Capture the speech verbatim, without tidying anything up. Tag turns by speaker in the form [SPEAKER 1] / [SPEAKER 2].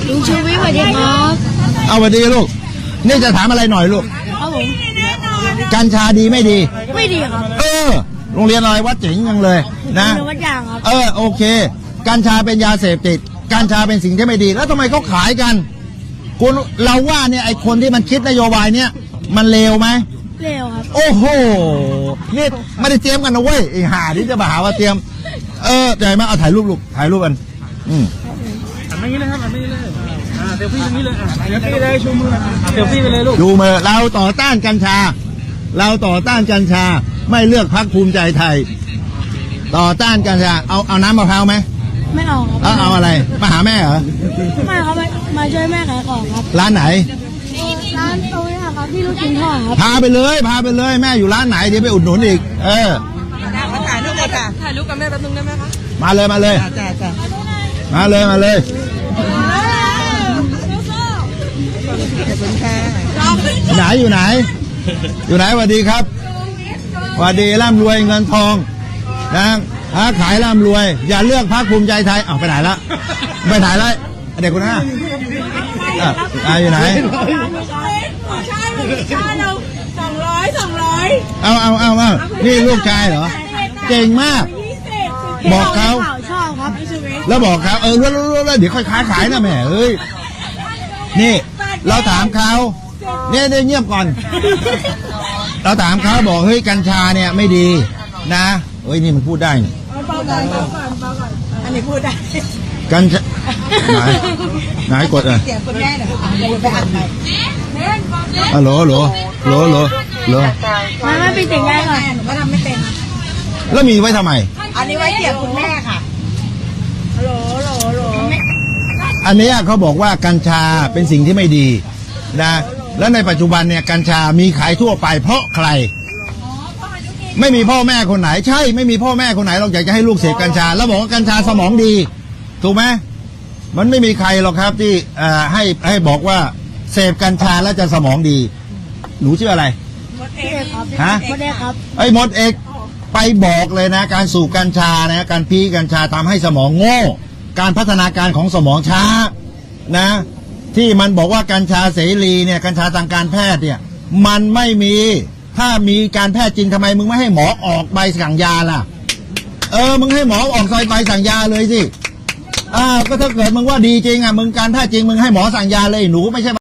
[SPEAKER 1] ลุงชูวิทย์สวัสดีครับ
[SPEAKER 2] เอาสวัสดีลูกนี่จะถามอะไรหน่อยลูก
[SPEAKER 1] ครับผม
[SPEAKER 2] กัญชาดีไม่ดี
[SPEAKER 1] ไม่ดีครับ
[SPEAKER 2] เออโรงเรียนอะไรวัดเจ๋งยังเลยนะ
[SPEAKER 1] เป็นวัดยางครับ
[SPEAKER 2] เออโอเคกัญชาเป็นยาเสพติดกัญชาเป็นสิ่งที่ไม่ดี แล้วทำไมเขาขายกันคุณเราว่าเนี่ยไอคนที่มันคิดนโยบายเนี่ยมันเลวไหม
[SPEAKER 1] เร็วครับ
[SPEAKER 2] โอ้โหนี่ไม่ได้เตรียมกันนะเว้ยไอห่าที่จะมาหาว่าเตรียมเออใหญ่มากเอาถ่ายรูปลูกถ่ายรูปกันอืม
[SPEAKER 3] อันนี้เลยครับอันนี้เลยอ่าเซลฟี่ตรงนี้เลยอ่ะเซลฟี่เลยชูมือเซลฟี่ไปเลยลูก
[SPEAKER 2] ดูมือเราต่อต้านกัญชา เราต่อต้านกัญชาไม่เลือกพรรคภูมิใจไทย ต่อต้านกัญชาเอาเอาน้ำมะพร้าวไหม
[SPEAKER 1] ไม่เอาครับ
[SPEAKER 2] แล้วเอาอะไรมาหาแม่เหรอ
[SPEAKER 1] ไม่ครับมามาช่วยแม่ขายของครับ
[SPEAKER 2] ร้านไหน
[SPEAKER 1] ร้านตรงนี้ครับที่ลูกชิ้นทอดครับ
[SPEAKER 2] พาไปเลยพาไปเลยแม่อยู่ร้านไหนเดี๋ยวไปอุดหนุนอีก เออ
[SPEAKER 4] มาถ่ายรูปเลยค่ะถ่ายรูปกับแม่แป๊บนึงได้ไหมคะ
[SPEAKER 2] มาเลยมาเลย
[SPEAKER 4] จ้าจ้า
[SPEAKER 2] มาเลยมาเลย
[SPEAKER 4] ขอบคุณค่ะ
[SPEAKER 2] ไหนอยู่ไหน อยู่ไหนสวัสดีครับสวัสดีร่ำรวยเงินทองนะค้าขายร่ำรวย อย่าเลือกพรรคภูมิใจไทยอ้าวไปไหนละไปไหนละเด็กคนนั้นอ่ะอ่ะอยู่ไหน
[SPEAKER 4] ใช่ใช่เราสองร้อยสองร้อย
[SPEAKER 2] เอาเอาเอาเอานี่ลูกชายเหรอเก่งมาก บอกเขา
[SPEAKER 1] ชอบครับ
[SPEAKER 2] แล้วบอกเขาเออแล้วแล้วแล้วเดี๋ยวค่อยค้าขายนะแม่เอ้ยนี่ เราถามเขาเนี่ยเนี่ยเงียบก่อน เราถามเขาบอกเฮ้ยกัญชาเนี่ยไม่ดีนะเฮ้ยนี่มันพูดได้นี่
[SPEAKER 4] เบาก่อนเบาก่อนเบาก่อนอันนี้พูดได้
[SPEAKER 2] กัญชาไหนไหนกดอ่ะ
[SPEAKER 4] เสียงคุณแม่หน่อยเดี๋ยวไปอ่านใหม่
[SPEAKER 2] ฮัลโหลฮัลโหลฮัลโหลฮัลโหลฮัลโหล
[SPEAKER 1] มาไม่เป็นเสียงยายก่อน
[SPEAKER 4] หนูก็ทำไม่เป็น
[SPEAKER 2] แล้วมีไว้ทำไม
[SPEAKER 4] อันนี้ไว้เสียงคุณแม่ค่ะฮัลโหลฮัลโหลฮัลโหล
[SPEAKER 2] อันเนี้ยเขาบอกว่ากัญชาเป็นสิ่งที่ไม่ดีนะแล้วในปัจจุบันเนี่ยกัญชามีขายทั่วไปเพราะใคร ไม่มีพ่อแม่คนไหนใช่ไม่มีพ่อแม่คนไหนเราอยากจะให้ลูกเสพกัญชา แล้วบอกว่ากัญชาสมองดีถูกไหมมันไม่มีใครหรอกครับที่เอ่อให้ให้บอกว่าเสพกัญชาแล้วจะสมองดี หนูชื่ออะไร
[SPEAKER 1] พี่เอกครับ
[SPEAKER 2] ฮะ
[SPEAKER 1] ไม่ได้ครับ
[SPEAKER 2] ไอ้มดเอกไปบอกเลยนะ การสูบกัญชานะการพีกัญชาทำให้สมองโง่ การพัฒนาการของสมองช้านะ ที่มันบอกว่ากัญชาเสรีเนี่ยกัญชาทางการแพทย์เนี่ยมันไม่มีถ้ามีการแพทย์จริงทำไมมึงไม่ให้หมอออกใบสั่งยาล่ะเออมึงให้หมอออกใบสั่งยาเลยสิอ้าวก็ถ้าเกิดมึงว่าดีจริงอ่ะมึงการแพทย์จริงมึงให้หมอสั่งยาเลยหนูไม่ใช่